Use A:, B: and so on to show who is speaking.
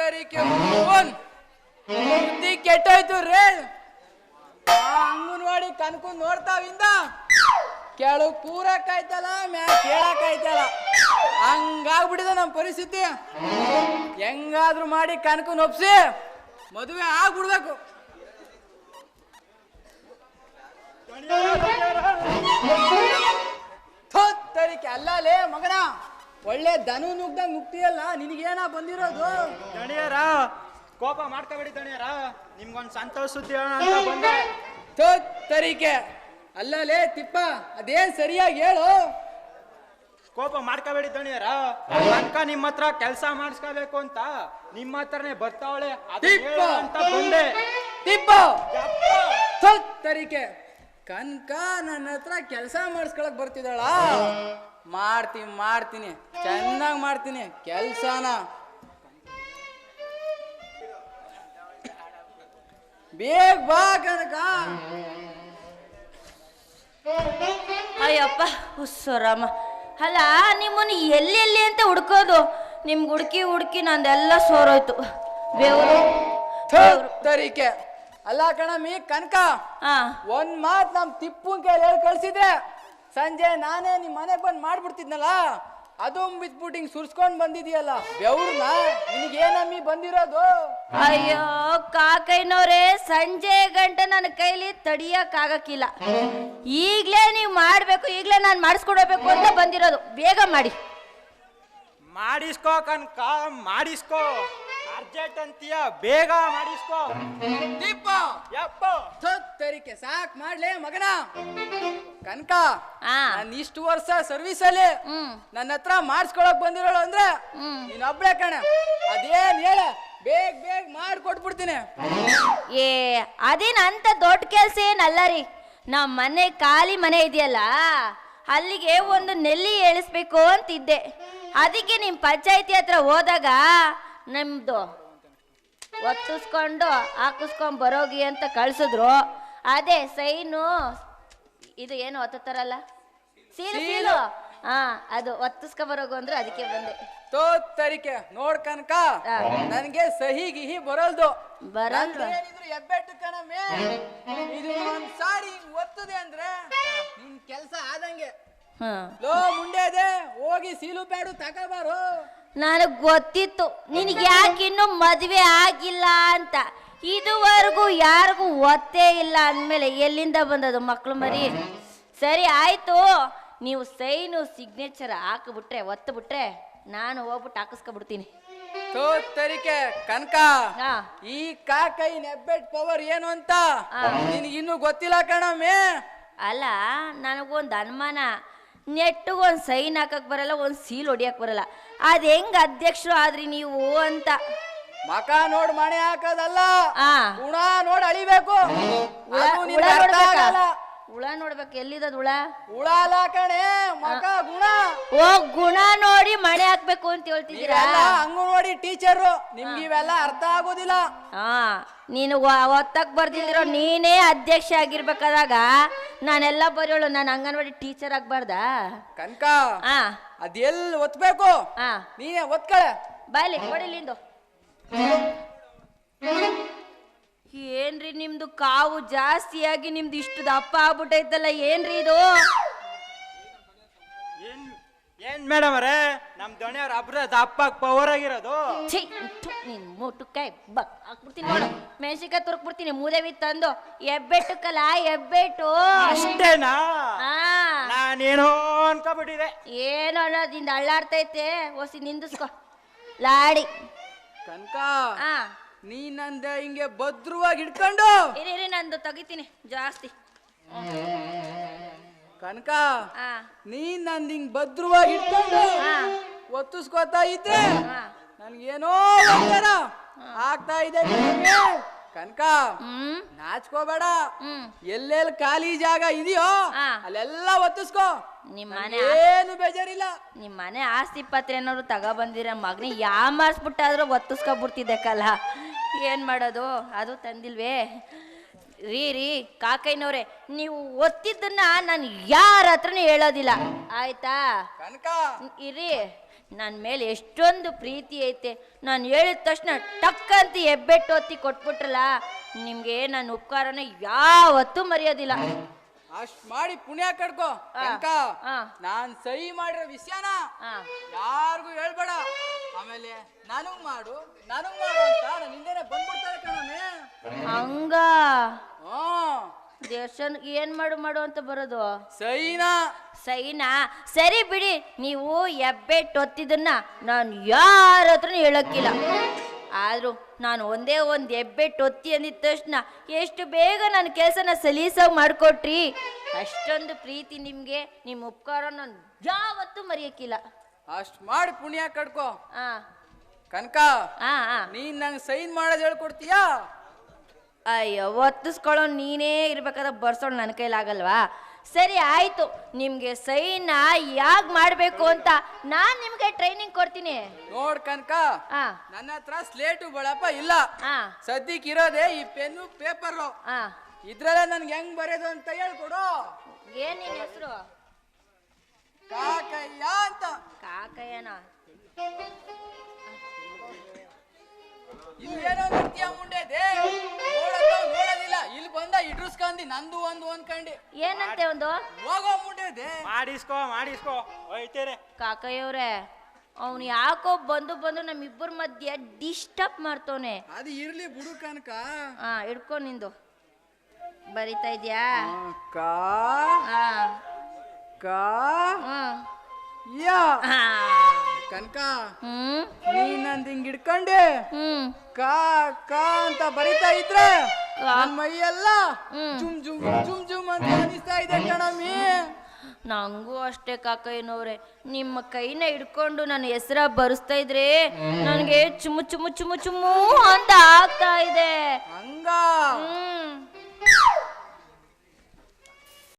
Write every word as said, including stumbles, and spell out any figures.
A: ತೋತರಿಕೆ ಬುದ್ಧಿ ಕೆಟ್ಟೋಯ್ತು ರೇ. ಆ ಅಂಗನವಾಡಿ ಕನ್ಕೊಂಡ್ ನೋಡ್ತಾವಿಂದ ಕೆಳಗ್ ಕೂರಕ್ಕಾಯ್ತಲ್ಲ ಮ್ಯಾ ಕೇಳಕ್ಕಾಯ್ತಲ್ಲ ಹಂಗಾಗ್ಬಿಟ್ಟಿದೆ ನಮ್ಮ ಪರಿಸ್ಥಿತಿ. ಹೆಂಗಾದ್ರೂ ಮಾಡಿ ಕನ್ಕೊಂಡ್ ಒಪ್ಸಿ ಮದುವೆ ಆಗ್ಬಿಡ್ಬೇಕು. ತೋತರಿಕೆ ಅಲ್ಲಲೇ ಮಗನ, ಒಳ್ಳೆ ದನು ನುಗ್ದಂಗ್ ನುಗ್ತಿಯಲ್ಲ, ನಿನಗೇನ ಬಂದಿರೋದು?
B: ದಣಿಯರ ಕೋಪ ಮಾಡ್ಕೋಬೇಡಿ ದಣಿಯರ, ನಿಮ್ಗೊಂದ್ ಸಂತೋಷ ಸುದ್ದಿ ಹೇಳೋಣ ಅಂತ ಬಂದೆ.
A: ತೋತರಿಕೆ ಅಲ್ಲಲೇ ತಿಪ್ಪ, ಅದೇನ್ ಸರಿಯಾಗಿ ಹೇಳು.
B: ಕೋಪ ಮಾಡ್ಕೋಬೇಡಿ ದಣಿಯರ, ಅನ್ಕ ನಿಮ್ಮ ಹತ್ರ ಕೆಲಸ ಮಾಡಿಸ್ಕೋಬೇಕು ಅಂತ ನಿಮ್ಮ ಹತ್ರನೇ ಬರ್ತಾವಳೆ ಅಂತ ಬಂದೆ.
A: ತಿಪ್ಪ ತೋತರಿಕೆ ಕನ್ಕ ನನ್ನ ಹತ್ರ ಕೆಲಸ ಮಾಡಿಸ್ಕೊಳಕ್ ಬರ್ತಿದ್ದಾಳ? ಮಾಡ್ತೀನಿ ಮಾಡ್ತೀನಿ ಚೆನ್ನಾಗಿ ಮಾಡ್ತೀನಿ ಕೆಲ್ಸನ. ಬೇಗ ಬಾ ಕನಕ.
C: ಅಯ್ಯಪ್ಪ ಹುಸ್ಸರಾಮ. ಅಲ್ಲ ನಿಮ್ಮನ್ನು ಎಲ್ಲಿ ಎಲ್ಲಿ ಅಂತ ಹುಡ್ಕೋದು, ನಿಮ್ಗೆ ಹುಡುಕಿ ಹುಡುಕಿ ನಂದೆಲ್ಲ ಸೋರೋಯ್ತು. ಬೇವರು
A: ತರಿಕೆ ಅಲ್ಲ ಕಣಮಿ ಕನಕ,
C: ಹಾ
A: ಒಂದ್ ಮಾತ್ ನಮ್ ತಿಪ್ಪುನ್ ಕೈಲಿ ಹೇಳಿ ಕಳ್ಸಿದ್ರೆ ಸಂಜೆ ನಾನೇ ನಿಮ್ ಮನೆಗ್ ಬಂದ್ ಮಾಡ್ಬಿಡ್ತಿದ್ನಲ್ಲ. ಅದು ಬಿಟ್ಬಿಟ್ಟು ಹಿಂಗ್ ಸುರ್ಸ್ಕೊಂಡ್ ಬಂದಿದೀಯಲ್ಲ ಬೆವ್ರನ್ನ, ನಿನಗೇನಮ್ಮಿ ಬಂದಿರೋದು?
C: ಅಯ್ಯೋ ಕಾಕೈನವ್ರೆ, ಸಂಜೆ ಗಂಟೆ ನನ್ನ ಕೈಲಿ ತಡಿಯಕ್ ಆಗಕ್ಕಿಲ್ಲ. ಈಗ್ಲೇ ನೀವು ಮಾಡ್ಬೇಕು, ಈಗ್ಲೇ ನಾನು ಮಾಡಿಸ್ಕೊಡ್ಬೇಕು ಅಂತ ಬಂದಿರೋದು. ಬೇಗ ಮಾಡಿ.
B: ಮಾಡಿಸ್ಕೋ ಕನ್ಕ, ಮಾಡಿಸ್ಕೋ. ಅರ್ಜೆಂಟ್ ಅಂತೀಯ, ಬೇಗ ಮಾಡಿಸ್ಕೋ.
A: ದೀಪ
B: ಯಪ್ಪ
A: ತರಿಕೆ ಸಾಕ್ ಮಾಡ್ಲೇ ಮಗನ. ಕನಕ,
C: ಆ
A: ನಾನು ಇಷ್ಟು ವರ್ಷ ಸರ್ವಿಸ್ ಅಲ್ಲಿ
C: ಹ್ಮ್
A: ನನ್ನ ಹತ್ರ ಮಾಡಿಸ್ಕೊಳಕ್ ಬಂದಿರೋಳು ಅಂದ್ರೆ
C: ಹ್ಮ್
A: ನೀನ್ ಒಬ್ಳೆ ಕಣ. ಅದೇನ್ ಹೇಳ, ಬೇಗ ಬೇಗ ಮಾಡ್ಕೊಟ್ಬಿಡ್ತೀನಿ.
C: ಏ ಅದೇನ್ ಅಂತ ದೊಡ್ಡ ಕೆಲ್ಸ ಏನಲ್ಲ ರೀ. ನಮ್ಮ ಮನೆ ಖಾಲಿ ಮನೆ ಇದೆಯಲ್ಲ, ಅಲ್ಲಿಗೆ ಒಂದು ನೆಲ್ಲಿ ಎಳಿಸ್ಬೇಕು ಅಂತಿದ್ದೆ. ಅದಕ್ಕೆ ನಿಮ್ಮ ಪಂಚಾಯತಿ ಹತ್ರ ಹೋದಾಗ ನಮ್ದು ಒತ್ತಿಸ್ಕೊಂಡು ಹಾಕಿಸ್ಕೊಂಡ್ ಬರೋಗಿ ಅಂತ ಕಳ್ಸಿದ್ರು. ಅದೇ ಸೈನು ಇದು ಏನು ಒತ್ತಾರಲ್ಲ, ಸೀಲು ಸೀಲು ಹಾ, ಅದು ಒತ್ತಿಸ್ಕೊ ಬರೋಗು ಅಂದ್ರೆ ಅದಕ್ಕೆ ಬಂದೆ.
A: ತೋತರಿಕೆ ನೋಡ್ ಕನಕ, ನನ್ಗೆ ಸಹಿ ಗಿಹಿ ಬರಲ್ದು.
C: ಬರಲ್ವಾ?
A: ಎಬ್ಬೆಟ್ಟು ಕಣಮೆ, ಇದು ಒಂದ್ ಸಾರಿ ಹಿಂಗ್ ಒತ್ತದೆ ಅಂದ್ರೆ ನಿನ್ ಕೆಲ್ಸ ಆದಂಗೆ.
C: ಹ್ಮ್
A: ಲೋ ಮುಂಡೆ ಇದೆ, ಹೋಗಿ ಸೀಲು ಪ್ಯಾಡು ತಗೋಬಾರು.
C: ನನಗ್ ಗೊತ್ತಿತ್ತು ನಿನಗೆ ಯಾಕೆ ಇನ್ನೂ ಮದುವೆ ಆಗಿಲ್ಲ ಅಂತ. ಇದುವರೆಗೂ ಯಾರಿಗೂ ಒತ್ತೇ ಇಲ್ಲ ಅಂದಮೇಲೆ ಎಲ್ಲಿಂದ ಬಂದದು ಮಕ್ಳು ಮರಿ? ಸರಿ ಆಯ್ತು, ನೀವು ಸೈನು ಸಿಗ್ನೇಚರ್ ಹಾಕಿಬಿಟ್ರೆ ಒತ್ತು ಬಿಟ್ರೆ ನಾನು ಹೋಗ್ಬಿಟ್ಟು ಹಾಕಿಸ್ಕೊಬಿಡ್ತೀನಿ.
A: ತೋತರಿಕೆ ಕನಕ,
C: ಹಾ
A: ಈ ಕಾಕೈ ನೆಬ್ಬೆಟ್ ಪವರ್ ಏನು ಅಂತ ನಿನಗಿನ್ನೂ ಗೊತ್ತಿಲ್ಲ ಕಣಮೆ.
C: ಅಲ್ಲ ನನಗೊಂದು ಅನುಮಾನ, ನೆಟ್ಟಿಗೊಂದು ಸೈನ್ ಹಾಕಕ್ ಬರಲ್ಲ, ಒಂದು ಸೀಲ್ ಹೊಡಿಯಕ್ ಬರಲ್ಲ. ಅದ್ ಹೆಂಗ್ ಅಧ್ಯಕ್ಷರು ಆದ್ರಿ ನೀವು ಅಂತ.
A: ಮಕ ನೋಡ್ ಮಣೆ ಹಾಕೋದಲ್ಲ,
C: ಆ
A: ಗುಣ ನೋಡ್ ಅಳಿಬೇಕು.
C: ಹುಳ
A: ಅದು
C: ಹುಳ
A: ನಿನಗೆ ಅರ್ಥ
C: ನೋಡ್ಬೇಕಾ?
A: ಆಗಲ್ಲ.
C: ಹುಳ ನೋಡ್ಬೇಕು, ಎಲ್ಲಿದದ ಹುಳ?
A: ಹುಳ ಅಲ್ಲ ಕಣೆ ಮಕ ಗುಣ.
C: ಓ ಗುಣ ನೋಡಿ ಮಣೆ ಹಾಕ್ಬೇಕು ಅಂತ ಹೇಳ್ತಿದ್ದೀರಾ?
A: ಅಂಗನವಾಡಿ ಟೀಚರು, ನಿಮ್ಗೆ ಇವೆಲ್ಲ ಅರ್ಥ ಆಗೋದಿಲ್ಲ.
C: ಹಾ ನೀನು ಒತ್ತಕ್ ಬರ್ದಿಲ್ದಿರೋ ನೀನೇ ಅಧ್ಯಕ್ಷ ಆಗಿರ್ಬೇಕಾದಾಗ ನಾನೆಲ್ಲ ಬರೋಳು, ನಾನು ಅಂಗನವಾಡಿ ಟೀಚರ್ ಆಗ್ಬಾರ್ದಾ?
A: ಕನಕ,
C: ಹಾ
A: ಅದೆಲ್ ಒತ್ಬೇಕು,
C: ಹಾ
A: ನೀನೇ ಒತ್ಕಳೆ.
C: ಬಾಯ್ಲಿ ಕೊಡಿಲಿಂದು. ಏನ್ರಿ ನಿಮ್ದು ಕಾವು ಜಾಸ್ತಿಯಾಗಿ ನಿಮ್ದು ಇಷ್ಟು ದಪ್ಪ ಆಗ್ಬಿಟ್ಟೈತಲ್ಲ, ಏನ್ರಿ ಇದು?
B: ಏನ್ ಏನ್ ಮೇಡಮ್ ಅವರೇ, ನಮ್ ದಣಿಯವ್ರ ಅಬ್ರ ದಪ್ಪಾಗ್ ಪವರ್ ಆಗಿರೋದು.
C: ಛೀ, ಥು, ನಿನ್ ಮುಟ್ಟುಕಾಯಿ ಬಕ್ ಹಾಕ್ಬಿಡ್ತೀನಿ ನೋಡು, ಮೆಣಸಿನ್ಕಾಯಿ ತುರ್ಕ್ಬಿಡ್ತೀನಿ ಮೂದೇವಿ ತಂದು. ಎಬ್ಬೆಟ್ಟಕ್ಕಲ್ಲ ಎಬ್ಬೆಟ್ಟು.
B: ಅಷ್ಟೇನಾ?
C: ಹಾ
B: ನಾನೇನೋ ಅನ್ಕೊಬಿಟ್ಟಿದೆ.
C: ಏನು ಅನ್ನೋದಿಂದ ಅಳ್ಳಾಡ್ತೈತೆ, ಹೊಸಿ ನಿಂದಿಸ್ಕೊ ಲಾಡಿ.
A: ಕನಕ,
C: ಹಾ
A: ನೀ ನಂದ ಹಿಂಗೆ ಭದ್ರವಾಗಿ ಹಿಡ್ಕೊಂಡು.
C: ಇರಿ ಇರಿ ನಂದು ತೆಗಿತೀನಿ ಜಾಸ್ತಿ.
A: ಕನಕ,
C: ಹಾ
A: ನೀ ನಂದ್ ಹಿಂಗ್ ಭದ್ರವಾಗಿ ಹಿಡ್ಕೊಂಡು
C: ಹಾ
A: ಒತ್ತಿಸ್ಕೋತಾ ಇದ್ರೆ
C: ಹಾ
A: ನನ್ಗೇನೋ ಒಂಥರ ಆಗ್ತಾ ಇದೆ ಕನಕ.
C: ಹ್ಮ್
A: ನಾಚ್ಕೋಬೇಡ,
C: ಹ್ಮ್
A: ಎಲ್ಲೆಲ್ಲಿ ಖಾಲಿ ಜಾಗ ಇದೆಯೋ
C: ಹಾ.
A: ಅಲ್ಲೆಲ್ಲ ಒತ್ತಿಸ್ಕೋ.
C: ನಿಮ್ಮ ಮನೆ
A: ಏನು ಬೇಜಾರಿಲ್ಲ.
C: ನಿಮ್ಮ ಮನೆ ಆಸ್ತಿ ಪತ್ರ ಏನಾದ್ರು ತಗೊಬಂದಿರ ಮಗನಿ ಯಾಮಾರ್ಸ್ಬಿಟ್ಟಾದ್ರೂ ಒತ್ತಿಸ್ಕೊಬಿಡ್ತಿದ್ದೆ ಕಲ. ಏನ್ ಮಾಡೋದು, ಅದು ತಂದಿಲ್ವೇ? ರೀ ರೀ ಕಾಕೈನವ್ರೆ, ನೀವು ಒತ್ತಿದ್ದನ್ನ ನಾನು ಯಾರ ಹತ್ರನೂ ಹೇಳೋದಿಲ್ಲ ಆಯ್ತಾ?
A: ಕನಕ,
C: ಇರಿ ನನ್ನ ಮೇಲೆ ಎಷ್ಟೊಂದು ಪ್ರೀತಿ ಐತೆ. ನಾನು ಹೇಳಿದ ತಕ್ಷಣ ಟಕ್ ಅಂತ ಹೆಬ್ಬೆಟ್ಟು ಒತ್ತಿ ಕೊಟ್ಬಿಟ್ರಲ್ಲ, ನಿಮ್ಗೆ ನನ್ನ ಉಪಕಾರನ ಯಾವತ್ತೂ ಮರೆಯೋದಿಲ್ಲ.
A: ಅಷ್ಟ್ ಮಾಡಿ ಪುಣ್ಯ ಕಡ್ಕೋ ಕನಕ.
C: ಆ.
A: ನಾನ್ ಸಹಿ ಮಾಡಿರೋ ವಿಷಯನ
C: ಆ.
A: ಯಾರಿಗೂ ಹೇಳ್ಬೇಡ. ಆಮೇಲೆ ನನಗ್ ಮಾಡು ನನಗ್ ಮಾಡು ಅಂತ ನಾನು ಹಿಂದೆನೆ ಬಂದ್ಬಿಡ್ತಾರೆ ಕಣಮೆ.
C: ಹಂಗ
A: ಹ್ಮ್
C: ದೇವಸ್ಥಾನ ಏನ್ ಮಾಡು ಮಾಡು ಅಂತ ಬರೋದು?
A: ಸಹಿನಾ
C: ಸೈನಾ? ಸರಿ ಬಿಡಿ, ನೀವು ಹೆಬ್ಬೆಟ್ಟು ಒತ್ತಿದ್ದನ್ನ ನಾನು ಯಾರ ಹತ್ರನೂ ಹೇಳಕ್ಕಿಲ್ಲ. ಆದ್ರೂ ನಾನು ಒಂದೇ ಒಂದು ಹೆಬ್ಬೆಟ್ಟು ಒತ್ತಿ ಅಂದಿದ ತಕ್ಷಣ ಎಷ್ಟು ಬೇಗ ನನ್ನ ಕೆಲಸನ ಸಲೀಸಾಗಿ ಮಾಡಿಕೊಟ್ರಿ. ಅಷ್ಟೊಂದು ಪ್ರೀತಿ ನಿಮಗೆ, ನಿಮ್ಮ ಉಪಕಾರ ನಾನು ಯಾವತ್ತೂ ಮರೆಯಕ್ಕಿಲ್ಲ.
A: ಅಷ್ಟ್ ಮಾಡಿ ಪುಣ್ಯ ಕಡ್ಕೋ
C: ಆ
A: ಕನಕ.
C: ಆ ಆ.
A: ನೀನ್ ನಂಗೆ ಸೈನ್ ಮಾಡೋದ್ ಹೇಳ್ಕೊಡ್ತೀಯಾ?
C: ಅಯ್ಯೋ, ಒತ್ತಿಸ್ಕೊಳ್ಳೋ ನೀನೇ ಇರ್ಬೇಕಾದ್ರೆ ಬರ್ಸೋಳು ನನ್ನ ಕೈಲಾಗಲ್ವಾ? ಸರಿ ಆಯ್ತು, ನಿಮ್ಗೆ ಸೈನ ಯಾಕೆ ಮಾಡಬೇಕು ಅಂತ ನಾನು ನಿಮ್ಗೆ ಟ್ರೈನಿಂಗ್ ಕೊಡ್ತೀನಿ.
A: ನೋಡ್ ಕನಕ,
C: ಆ
A: ನನ್ನ ಹತ್ರ ಸ್ಲೇಟು ಬಳಪ ಇಲ್ಲ.
C: ಆ
A: ಸದ್ಯಕ್ಕೆ ಇರೋದೇ ಈ ಪೆನ್ನು ಪೇಪರ್.
C: ಆ
A: ಇದ್ರಲ್ಲ ನನ್ಗೆ ಹೆಂಗ್ ಬರೆಯೋದು ಅಂತ ಹೇಳ್ಕೊಡು.
C: ಏನ್ ನಿನ್ನ ಹೆಸರು?
A: ಕಾಕಯ್ಯ ಅಂತ.
C: ಕಾಕಯ್ಯನ?
A: ಇಲ್ಲೇನೋ ನೃತ್ಯ ಮುಂಡೆದೆ ನೋಡಕ್ಕ ನೋಡೋದಿಲ್ಲ. ಇಲ್ಲಿ ಬಂದ ಇಡ್ರಸ್ಕಂದಿ ನಂದು ಒಂದು ಅನ್ಕಂಡಿ.
C: ಏನಂತೆ ಒಂದು?
A: ಹೋಗೋ ಮುಂಡೆದೆ.
B: ಮಾಡಿಸ್ಕೋ ಮಾಡಿಸ್ಕೋ ಹೋಯ್ತೇನೆ.
C: ಕಾಕಯ್ಯವ್ರೆ, ಅವನು ಯಾಕೋ ಬಂದು ಬಂದು ನಮ್ಮಿಬ್ಬರ ಮಧ್ಯೆ ಡಿಸ್ಟರ್ಬ್ ಮಾಡ್ತವನೆ.
A: ಅದು ಇರ್ಲಿ ಬಿಡು ಕನಕ.
C: ಹಾ, ಹಿಡ್ಕೊ ನಿಂದು. ಬರಿತಾ ಇದ್ಯಾ?
A: ಕಾ
C: ಹಾ
A: ಕಾ
C: ಹ್ಮ್
A: ಯಾ
C: ಹಾ.
A: ಕನಕ,
C: ಹ್ಮ್
A: ನೀನ್ ನಂದ್ ಹಿಂಗ್ ಹಿಡ್ಕೊಂಡೆ
C: ಹ್ಮ್
A: ಕಾ ಕಾ ಅಂತ ಬರಿತಾ ಇದ್ರೆ
C: ಕಾ.
A: ನನ್ ಮೈಯೆಲ್ಲ
C: ಹ್ಮ್.
A: ಜುಮ್ ಜುಮ್ ಜುಮ್ ಜುಮ್ ಅಂತ ಅನಿಸ್ತಾ ಇದೆ ಕಣಮಿ.
C: ನಂಗೂ ಅಷ್ಟೇ ಕಾಕಯ್ಯನವ್ರೆ, ನಿಮ್ಮ ಕೈನ ಹಿಡ್ಕೊಂಡು ನನ್ನ ಹೆಸರ ಬರೆಸ್ತಾ ಇದ್ರೆ ನನಗೆ ಚುಮು ಚುಮು ಚುಮು ಚುಮು ಅಂತ